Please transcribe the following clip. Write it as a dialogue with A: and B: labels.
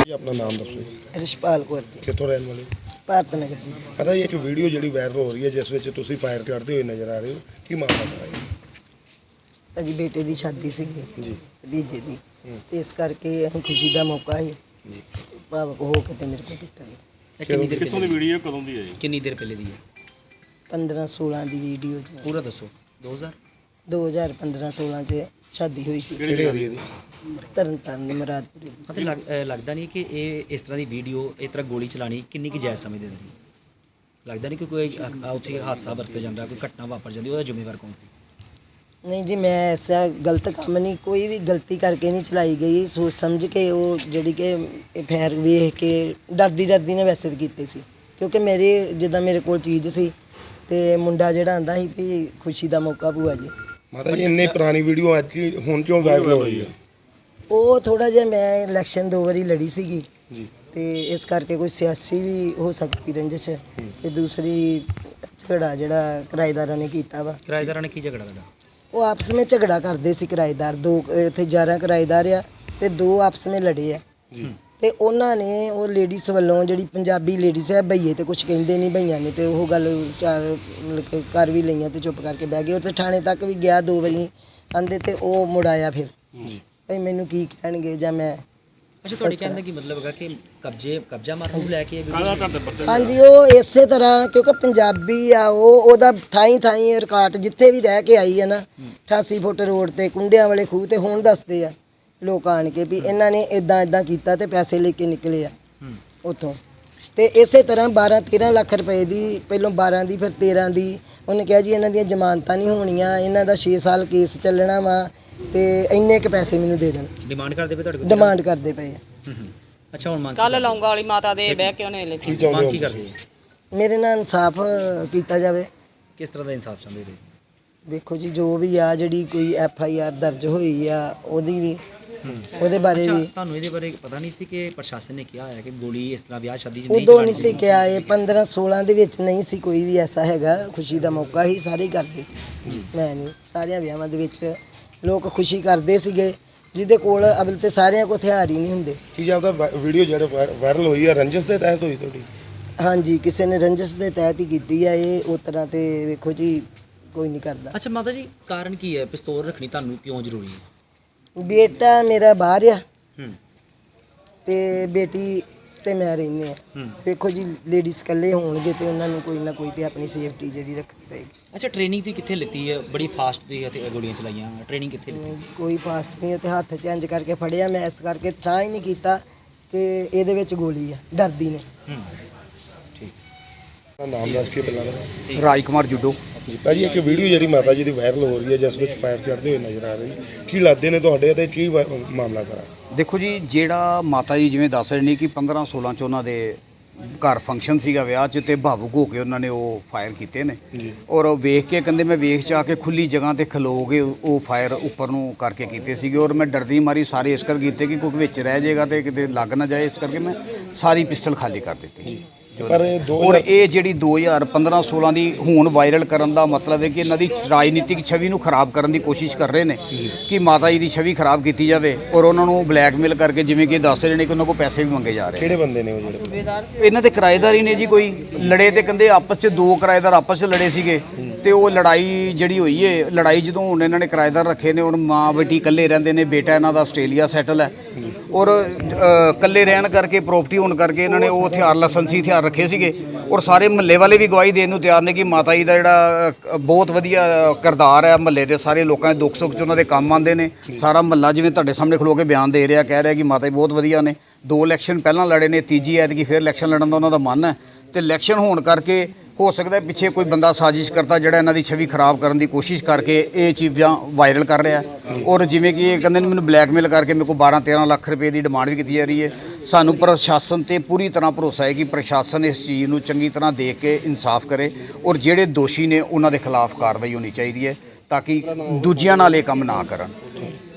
A: ਜੀ ਆਪਣਾ ਨਾਮ ਦੱਸੋ।
B: ਰਿਸ਼ਪਾਲ ਕੌਰ ਜੀ,
A: ਕਿੱਥੋਂ ਰਹਿਣ ਵਾਲੇ?
B: ਭਾਰਤ ਨਗਰ ਦੀ।
A: ਪਤਾ ਜੀ ਇੱਕ ਵੀਡੀਓ ਜਿਹੜੀ ਵਾਇਰਲ ਹੋ ਰਹੀ ਹੈ ਜਿਸ ਵਿੱਚ ਤੁਸੀਂ ਫਾਇਰ ਕਰਦੇ ਹੋਏ ਨਜ਼ਰ ਆ ਰਹੇ ਹੋ, ਕੀ ਮਾਮਲਾ ਹੈ?
B: ਭਾਜੀ ਬੇਟੇ ਦੀ ਸ਼ਾਦੀ ਸੀਗੀ
A: ਜੀ
B: ਭਤੀਜੇ ਦੀ, ਤੇ ਇਸ ਕਰਕੇ ਅਸੀਂ ਖੁਸ਼ੀ ਦਾ ਮੌਕਾ ਸੀ
A: ਜੀ।
B: ਭਾਵਕ ਹੋ ਕੇ ਤੇ ਮੇਰੇ ਕੋਲ ਕੀਤਾ ਜੀ।
C: ਇਹ ਕਿੰਨੀ ਦੇਰ
D: ਕਿੱਥੋਂ ਦੀ ਵੀਡੀਓ ਕਦੋਂ ਦੀ ਹੈ ਜੀ?
C: ਕਿੰਨੀ ਦੇਰ ਪਹਿਲੇ ਦੀ ਹੈ?
B: 15-16 ਦੀ ਵੀਡੀਓ ਚ
C: ਪੂਰਾ ਦੱਸੋ।
B: 2015-16 ਚ ਸ਼ਾਦੀ ਹੋਈ ਸੀ
A: ਕਿਹੜੇ ਏਰੀਆ ਦੀ?
B: ਤਰਨਤਾਰਨ ਦੇ ਮੁਰਾਦਪੁਰੇ ਦੀ।
C: ਅਤੇ ਲੱਗਦਾ ਨਹੀਂ ਕਿ ਇਹ ਇਸ ਤਰ੍ਹਾਂ ਦੀ ਵੀਡੀਓ ਇਸ ਤਰ੍ਹਾਂ ਗੋਲੀ ਚਲਾਣੀ ਕਿੰਨੀ ਕੁ ਜਾਇਜ਼ ਸਮਝਦੇ ਨੇ? ਲੱਗਦਾ ਨਹੀਂ ਕਿ ਕੋਈ ਉੱਥੇ ਹਾਦਸਾ ਵਰਤ ਜਾਂਦਾ, ਕੋਈ ਘਟਨਾ ਵਾਪਰ ਜਾਂਦੀ, ਉਹਦਾ ਜ਼ਿੰਮੇਵਾਰ ਕੌਣ ਸੀ?
B: ਨਹੀਂ ਜੀ, ਮੈਂ ਐਸਾ ਗਲਤ ਕੰਮ ਨਹੀਂ, ਕੋਈ ਵੀ ਗਲਤੀ ਕਰਕੇ ਨਹੀਂ ਚਲਾਈ ਗਈ। ਸੋਚ ਸਮਝ ਕੇ ਉਹ ਜਿਹੜੀ ਕਿ ਇਹ ਫੈਰ ਵੇਖ ਕੇ ਡਰਦੀ ਨੇ ਵੈਸੇ ਤਾਂ ਕੀਤੇ ਸੀ, ਕਿਉਂਕਿ ਮੇਰੇ ਜਿੱਦਾਂ ਮੇਰੇ ਕੋਲ ਚੀਜ਼ ਸੀ ਤੇ ਮੁੰਡਾ ਜਿਹੜਾ ਆਂਦਾ ਸੀ ਵੀ ਖੁਸ਼ੀ ਦਾ ਮੌਕਾ ਭੂਆ ਜੀ।
A: ਮਾਤਾ ਜੀ ਇੰਨੀ ਪੁਰਾਣੀ ਵੀਡੀਓ ਅੱਜ ਹੀ ਹੁਣ ਕਿਉਂ ਵਾਇਰਲ ਹੋ ਰਹੀ ਹੈ?
B: ਉਹ ਥੋੜਾ ਜਿਹਾ ਮੈਂ ਇਲੈਕਸ਼ਨ 2 ਵਾਰੀ ਲੜੀ ਸੀਗੀ
A: ਜੀ।
B: ਤੇ ਇਸ ਕਰਕੇ ਕੋਈ ਸਿਆਸੀ ਵੀ ਹੋ ਸਕਦੀ ਰੰਜਿਸ਼, ਤੇ ਦੂਸਰੀ ਝਗੜਾ ਜਿਹੜਾ ਕਿਰਾਏਦਾਰਾਂ ਨੇ ਕੀਤਾ ਵਾ।
C: ਕਿਰਾਏਦਾਰਾਂ ਨੇ ਕੀ ਝਗੜਾ ਕਰਦਾ?
B: ਉਹ ਆਪਸ ਵਿੱਚ ਝਗੜਾ ਕਰਦੇ ਸੀ ਕਿਰਾਏਦਾਰ, ਦੋ ਇੱਥੇ 11 ਕਿਰਾਏਦਾਰ ਆ ਤੇ 2 ਆਪਸ ਵਿੱਚ ਲੜੇ ਆ। ਤੇ ਉਹਨਾਂ ਨੇ ਉਹ ਲੇਡੀਜ਼ ਵੱਲੋਂ ਜਿਹੜੀ ਪੰਜਾਬੀ ਲੇਡੀਜ਼ ਹੈ ਭਈਏ ਤੇ ਕੁਝ ਕਹਿੰਦੇ ਨਹੀਂ ਭਈਆਂ ਨੇ, ਤੇ ਉਹ ਗੱਲ ਚਾਰ ਮਤਲਬ ਕਿ ਕਰ ਵੀ ਲਈਆਂ ਤੇ ਚੁੱਪ ਕਰਕੇ ਬਹਿ ਗਏ। ਉੱਥੇ ਥਾਣੇ ਤੱਕ ਵੀ ਗਿਆ 2 ਵਾਰੀ ਆਂਦੇ, ਤੇ ਉਹ ਮੁੜ ਆਇਆ ਫਿਰ ਭਈ ਮੈਨੂੰ ਕੀ ਕਹਿਣਗੇ ਜਾਂ ਮੈਂ।
C: ਅੱਛਾ, ਤੁਹਾਡੇ ਕਹਿਣ ਦਾ ਕੀ ਮਤਲਬ ਹੈਗਾ ਕਿ ਕਬਜ਼ਾ ਮਾਰਨ ਨੂੰ ਲੈ ਕੇ
B: ਹਾਂਜੀ, ਉਹ ਇਸੇ ਤਰ੍ਹਾਂ ਕਿਉਂਕਿ ਪੰਜਾਬੀ ਆ ਉਹਦਾ ਥਾਈ ਰਿਕਾਰਡ ਜਿੱਥੇ ਵੀ ਰਹਿ ਕੇ ਆਈ ਹੈ ਨਾ 88 ਫੁੱਟ ਰੋਡ ਤੇ ਕੁੰਡਿਆਂ ਵਾਲੇ ਖੂਹ ਤੇ ਹੁਣ ਦੱਸਦੇ ਆ ਲੋਕ ਆਣ ਕੇ ਵੀ ਇਹਨਾਂ ਨੇ ਇਦਾਂ ਕੀਤਾ ਤੇ ਪੈਸੇ ਲੈ ਕੇ ਨਿਕਲੇ ਆ ਉੱਥੋਂ। ਤੇ ਇਸੇ ਤਰ੍ਹਾਂ 12-13 ਲੱਖ ਰੁਪਏ ਦੀ, ਪਹਿਲੋਂ 12 ਦੀ ਫਿਰ 13 ਦੀ ਉਹਨੇ ਕਿਹਾ ਜੀ ਇਹਨਾਂ ਦੀਆਂ ਜ਼ਮਾਨਤਾਂ ਨਹੀਂ ਹੋਣੀਆਂ, ਇਹਨਾਂ ਦਾ 6 ਸਾਲ ਕੇਸ ਚੱਲਣਾ ਵਾ ਤੇ ਇੰਨੇ ਕੁ ਪੈਸੇ ਮੈਨੂੰ ਦੇ ਦੇਣ।
C: ਡਿਮਾਂਡ ਕਰਦੇ ਪਏ ਤੁਹਾਡੇ ਕੋਲ?
B: ਡਿਮਾਂਡ ਕਰਦੇ ਪਏ ਆ।
C: ਅੱਛਾ, ਹੁਣ ਮੰਗ
E: ਕੱਲ ਲੌਂਗਾ ਵਾਲੀ ਮਾਤਾ ਦੇ ਬਹਿ ਕੇ ਉਹਨੇ ਲਿਖੀ।
C: ਮੰਗ ਕੀ ਕਰਦੇ?
B: ਮੇਰੇ ਨਾਲ ਇਨਸਾਫ ਕੀਤਾ ਜਾਵੇ।
C: ਕਿਸ ਤਰ੍ਹਾਂ ਦਾ ਇਨਸਾਫ ਚਾਹੁੰਦੇ ਹੋ?
B: ਵੇਖੋ ਜੀ, ਜੋ ਵੀ ਆ ਜਿਹੜੀ ਕੋਈ FIR ਦਰਜ ਹੋਈ ਆ ਉਹਦੀ ਵੀ, ਉਹਦੇ ਬਾਰੇ ਵੀ
C: ਤੁਹਾਨੂੰ ਇਹਦੇ ਬਾਰੇ ਪਤਾ ਨਹੀਂ ਸੀ ਕਿ ਪ੍ਰਸ਼ਾਸਨ ਨੇ ਕਿਹਾ ਹੋਇਆ ਕਿ ਗੋਲੀ ਇਸ ਤਰ੍ਹਾਂ ਵਿਆਹ ਸ਼ਾਦੀ 'ਚ ਨਹੀਂ
B: ਉਦੋਂ ਨਹੀਂ ਸੀ ਕਿਹਾ। ਇਹ 15-16 ਦੇ ਵਿੱਚ ਨਹੀਂ ਸੀ ਕੋਈ ਵੀ ਐਸਾ ਹੈਗਾ। ਖੁਸ਼ੀ ਦਾ ਮੌਕਾ ਹੀ ਸਾਰੇ ਹੀ ਕਰਦੇ ਸੀ, ਮੈਂ ਨਹੀਂ। ਸਾਰਿਆਂ ਵਿਆਹਾਂ ਦੇ ਵਿੱਚ ਲੋਕ ਖੁਸ਼ੀ ਕਰਦੇ ਸੀਗੇ ਜਿਹਦੇ ਕੋਲ ਅਬਲ ਤੇ ਸਾਰਿਆਂ ਕੋਲ ਹਥਿਆਰ ਹੀ ਨਹੀਂ ਹੁੰਦੇ।
A: ਕੀ ਜਾਂਦਾ ਵੀਡੀਓ ਜਿਹੜੇ ਵਾਇਰਲ ਹੋਈ ਹੈ ਰੰਜਿਸ਼ ਦੇ ਤਹਿਤ ਹੋਈ ਤੁਹਾਡੀ?
B: ਹਾਂਜੀ, ਕਿਸੇ ਨੇ ਰੰਜਿਸ਼ ਦੇ ਤਹਿਤ ਹੀ ਕੀਤੀ ਆ ਇਹ। ਉਸ ਤਰ੍ਹਾਂ ਤੇ ਵੇਖੋ ਜੀ ਕੋਈ ਨਹੀਂ ਕਰਦਾ।
C: ਅੱਛਾ ਮਾਤਾ ਜੀ, ਕਾਰਨ ਕੀ ਹੈ ਪਿਸਤੌਲ ਰੱਖਣੀ ਤੁਹਾਨੂੰ ਕਿਉਂ ਜ਼ਰੂਰੀ ਹੈ?
B: ਬੇਟਾ ਮੇਰਾ ਬਾਹਰ ਆ ਤੇ ਬੇਟੀ ਤੇ ਮੈਂ ਰਹਿੰਦੇ ਆ। ਵੇਖੋ ਜੀ, ਲੇਡੀਜ਼ ਇਕੱਲੇ ਹੋਣਗੇ ਤੇ ਉਹਨਾਂ ਨੂੰ ਕੋਈ ਨਾ ਕੋਈ ਤੇ ਆਪਣੀ ਸੇਫਟੀ ਜਿਹੜੀ ਰੱਖਣੀ ਪਏਗੀ।
C: ਅੱਛਾ, ਟ੍ਰੇਨਿੰਗ ਤੁਸੀਂ ਕਿੱਥੇ ਲਿੱਤੀ ਹੈ? ਬੜੀ ਫਾਸਟ ਦੀ ਅਤੇ ਗੋਲੀਆਂ ਚਲਾਈਆਂ, ਟ੍ਰੇਨਿੰਗ ਕਿੱਥੇ ਲਿੱਤੀ?
B: ਨਹੀਂ ਜੀ, ਕੋਈ ਫਾਸਟ ਨਹੀਂ। ਤੇ ਹੱਥ ਚੇਂਜ ਕਰਕੇ ਫੜਿਆ ਮੈਂ, ਇਸ ਕਰਕੇ ਟਰਾਈ ਹੀ ਨਹੀਂ ਕੀਤਾ ਕਿ ਇਹਦੇ ਵਿੱਚ ਗੋਲੀ ਆ, ਡਰਦੀ ਨੇ।
C: ਠੀਕ।
A: ਨਾਮ ਦੱਸ ਕੇ ਪਹਿਲਾਂ
F: ਰਾਜ ਕੁਮਾਰ ਜੁੱਡੋ
A: ਜੀ। ਭਾਜੀ ਇੱਕ ਵੀਡੀਓ ਜਿਹੜੀ ਮਾਤਾ ਜੀ ਦੀ ਵਾਇਰਲ ਹੋ ਰਹੀ ਹੈ ਜਿਸ ਵਿੱਚ ਫਾਇਰ ਚੜ੍ਹਦੇ ਹੋਏ ਨਜ਼ਰ ਆ ਰਹੀ, ਕੀ ਲੱਗਦੇ ਨੇ ਤੁਹਾਡੇ ਤੇ ਕੀ ਮਾਮਲਾ ਸਾਰਾ?
F: ਦੇਖੋ ਜੀ, ਜਿਹੜਾ ਮਾਤਾ ਜੀ ਜਿਵੇਂ ਦੱਸ ਰਹੇ ਨੇ ਕਿ 15-16 ਚ ਉਹਨਾਂ ਦੇ ਘਰ ਫੰਕਸ਼ਨ ਸੀਗਾ ਵਿਆਹ 'ਚ, ਤੇ ਭਾਵੁਕ ਹੋ ਕੇ ਉਹਨਾਂ ਨੇ ਉਹ ਫਾਇਰ ਕੀਤੇ ਨੇ। ਔਰ ਉਹ ਵੇਖ ਕੇ ਕਹਿੰਦੇ ਮੈਂ ਵੇਖ ਚ ਆ ਕੇ ਖੁੱਲੀ ਜਗ੍ਹਾ ਤੇ ਖਲੋ ਕੇ ਉਹ ਫਾਇਰ ਉੱਪਰ ਨੂੰ ਕਰਕੇ ਕੀਤੇ ਸੀਗੇ। ਔਰ ਮੈਂ ਡਰਦੀ ਮਾਰੀ ਸਾਰੇ ਇਸ ਕਰ ਕੀਤੇ ਕਿ ਕੋਈ ਵਿੱਚ ਰਹਿ ਜਾਏਗਾ ਤੇ ਕਿਤੇ ਲੱਗ ਨਾ ਜਾਏ, ਇਸ ਕਰਕੇ ਮੈਂ ਸਾਰੀ ਪਿਸਟਲ ਖਾਲੀ ਕਰ ਦਿੱਤੀ।
A: ਪਰ
F: ਔਰ ਇਹ ਜਿਹੜੀ 2015-16 ਦੀ ਹੁਣ ਵਾਇਰਲ ਕਰਨ ਦਾ ਮਤਲਬ ਹੈ ਕਿ ਇਹਨਾਂ ਦੀ ਰਾਜਨੀਤਿਕ ਛਵੀ ਨੂੰ ਖਰਾਬ ਕਰਨ ਦੀ ਕੋਸ਼ਿਸ਼ ਕਰ ਰਹੇ ਨੇ ਕਿ ਮਾਤਾ ਜੀ ਦੀ ਛਵੀ ਖਰਾਬ ਕੀਤੀ ਜਾਵੇ। ਔਰ ਉਹਨਾਂ ਨੂੰ ਬਲੈਕਮੇਲ ਕਰਕੇ, ਜਿਵੇਂ ਕਿ ਦੱਸ ਰਹੇ ਨੇ ਕਿ ਉਹਨਾਂ ਕੋਲ ਪੈਸੇ ਵੀ ਮੰਗੇ ਜਾ ਰਹੇ।
A: ਕਿਹੜੇ ਬੰਦੇ ਨੇ ਉਹ ਜਿਹੜੇ?
F: ਇਹਨਾਂ ਦੇ ਕਿਰਾਏਦਾਰ ਹੀ ਨੇ ਜੀ। ਕੋਈ ਲੜੇ ਤੇ ਕਹਿੰਦੇ ਆਪਸ 'ਚ 2 ਕਿਰਾਏਦਾਰ ਆਪਸ 'ਚ ਲੜੇ ਸੀਗੇ ਤੇ ਉਹ ਲੜਾਈ ਜਿਹੜੀ ਹੋਈ ਏ, ਲੜਾਈ ਜਦੋਂ ਹੁਣ ਇਹਨਾਂ ਨੇ ਕਿਰਾਏਦਾਰ ਰੱਖੇ ਨੇ, ਹੁਣ ਮਾਂ ਬੇਟੀ ਇਕੱਲੇ ਰਹਿੰਦੇ ਨੇ, ਬੇਟਾ ਇਹਨਾਂ ਦਾ ਆਸਟ੍ਰੇਲੀਆ ਸੈਟਲ ਹੈ। ਔਰ ਇਕੱਲੇ ਰਹਿਣ ਕਰਕੇ, ਪ੍ਰੋਪਰਟੀ ਹੋਣ ਕਰਕੇ ਇਹਨਾਂ ਨੇ ਉਹ ਹਥਿਆਰ, ਲਾਇਸੈਂਸੀ ਹਥਿਆਰ ਰੱਖੇ ਸੀਗੇ। ਔਰ ਸਾਰੇ ਮਹੱਲੇ ਵਾਲੇ ਵੀ ਗਵਾਹੀ ਦੇਣ ਨੂੰ ਤਿਆਰ ਨੇ ਕਿ ਮਾਤਾ ਜੀ ਦਾ ਜਿਹੜਾ ਬਹੁਤ ਵਧੀਆ ਕਿਰਦਾਰ ਹੈ, ਮਹੱਲੇ ਦੇ ਸਾਰੇ ਲੋਕਾਂ ਦੇ ਦੁੱਖ ਸੁੱਖ 'ਚ ਉਹਨਾਂ ਦੇ ਕੰਮ ਆਉਂਦੇ ਨੇ। ਸਾਰਾ ਮਹੱਲਾ ਜਿਵੇਂ ਤੁਹਾਡੇ ਸਾਹਮਣੇ ਖਲੋ ਕੇ ਬਿਆਨ ਦੇ ਰਿਹਾ, ਕਹਿ ਰਿਹਾ ਕਿ ਮਾਤਾ ਜੀ ਬਹੁਤ ਵਧੀਆ ਨੇ। 2 ਇਲੈਕਸ਼ਨ ਪਹਿਲਾਂ ਲੜੇ ਨੇ, ਤੀਜੀ ਐਤਕੀ ਫਿਰ ਇਲੈਕਸ਼ਨ ਲੜਨ ਦਾ ਉਹਨਾਂ ਦਾ ਮਨ ਹੈ। ਤੇ ਇਲੈਕਸ਼ਨ ਹੋਣ ਕਰਕੇ ਹੋ ਸਕਦਾ ਪਿੱਛੇ ਕੋਈ ਬੰਦਾ ਸਾਜ਼ਿਸ਼ ਕਰਤਾ ਜਿਹੜਾ ਇਹਨਾਂ ਦੀ ਛਵੀ ਖਰਾਬ ਕਰਨ ਦੀ ਕੋਸ਼ਿਸ਼ ਕਰਕੇ ਇਹ ਚੀਜ਼ਾਂ ਵਾਇਰਲ ਕਰ ਰਿਹਾ। ਔਰ ਜਿਵੇਂ ਕਿ ਇਹ ਕਹਿੰਦੇ ਨੇ ਮੈਨੂੰ ਬਲੈਕਮੇਲ ਕਰਕੇ ਮੇਰੇ ਕੋਲ 12-13 ਲੱਖ ਰੁਪਏ ਦੀ ਡਿਮਾਂਡ ਵੀ ਕੀਤੀ ਜਾ ਰਹੀ ਹੈ। ਸਾਨੂੰ ਪ੍ਰਸ਼ਾਸਨ ਤੇ ਪੂਰੀ ਤਰ੍ਹਾਂ ਭਰੋਸਾ ਹੈ ਕਿ ਪ੍ਰਸ਼ਾਸਨ ਇਸ ਚੀਜ਼ ਨੂੰ ਚੰਗੀ ਤਰ੍ਹਾਂ ਦੇਖ ਕੇ ਇਨਸਾਫ ਕਰੇ ਔਰ ਜਿਹੜੇ ਦੋਸ਼ੀ ਨੇ ਉਹਨਾਂ ਦੇ ਖਿਲਾਫ ਕਾਰਵਾਈ ਹੋਣੀ ਚਾਹੀਦੀ ਹੈ ਤਾਂ ਕਿ ਦੂਜਿਆਂ ਨਾਲ ਇਹ ਕੰਮ ਨਾ ਕਰਨ।